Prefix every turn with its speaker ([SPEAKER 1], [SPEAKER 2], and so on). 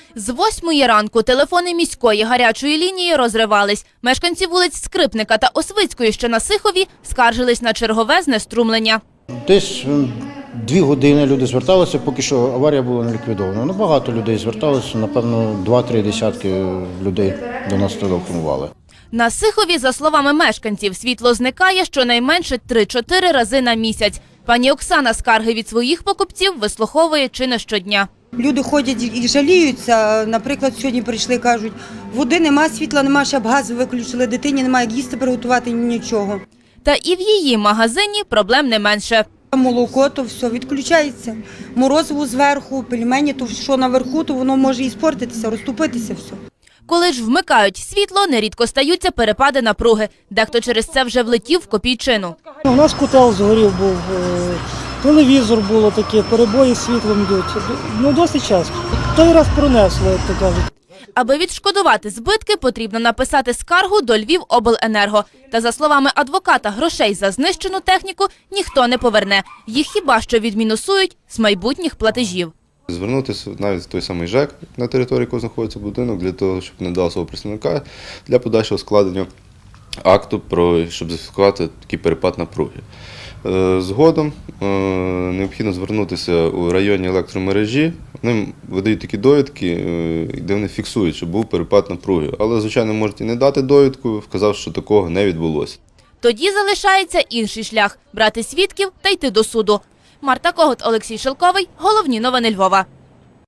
[SPEAKER 1] З 8 ранку телефони міської гарячої лінії розривались. Мешканці вулиць Скрипника та Освицької, що на Сихові, скаржились на чергове знеструмлення.
[SPEAKER 2] Десь 2 години люди зверталися, поки що аварія була не ліквідована. Ну, багато людей зверталося, напевно, 2-3 десятки людей до нас телефонували.
[SPEAKER 1] На Сихові, за словами мешканців, світло зникає щонайменше 3-4 рази на місяць. Пані Оксана скарги від своїх покупців вислуховує чи не щодня.
[SPEAKER 3] Люди ходять і жаліються. Наприклад, сьогодні прийшли, кажуть, води нема, світла нема, щоб газ виключили, дитині немає як їсти приготувати, нічого.
[SPEAKER 1] Та і в її магазині проблем не менше.
[SPEAKER 3] Молоко, то все відключається. Морозиво зверху, пельмені, то що наверху, то воно може і спортитися, розтопитися все.
[SPEAKER 1] Коли ж вмикають світло, нерідко стаються перепади напруги. Дехто через це вже влетів в копійчину.
[SPEAKER 4] У нас котел згорів був, телевізор було таке, перебої з світлом йдуть. Ну, досить часто. Той раз пронесло, як то кажуть.
[SPEAKER 1] Аби відшкодувати збитки, потрібно написати скаргу до Львівобленерго. Та, за словами адвоката, грошей за знищену техніку ніхто не поверне. Їх хіба що відмінусують з майбутніх платежів.
[SPEAKER 5] Звернутися навіть в той самий ЖЕК, на території якого знаходиться будинок, для того, щоб не дав свого представника, для подальшого складення акту, щоб зафіксувати такий перепад напруги. Згодом необхідно звернутися у районні електромережі. Вони видають такі довідки, де вони фіксують, що був перепад напруги. Але, звичайно, можуть і не дати довідку, вказавши, що такого не відбулося.
[SPEAKER 1] Тоді залишається інший шлях – брати свідків та йти до суду. Марта Когут, Олексій Шелковий. Головні новини Львова.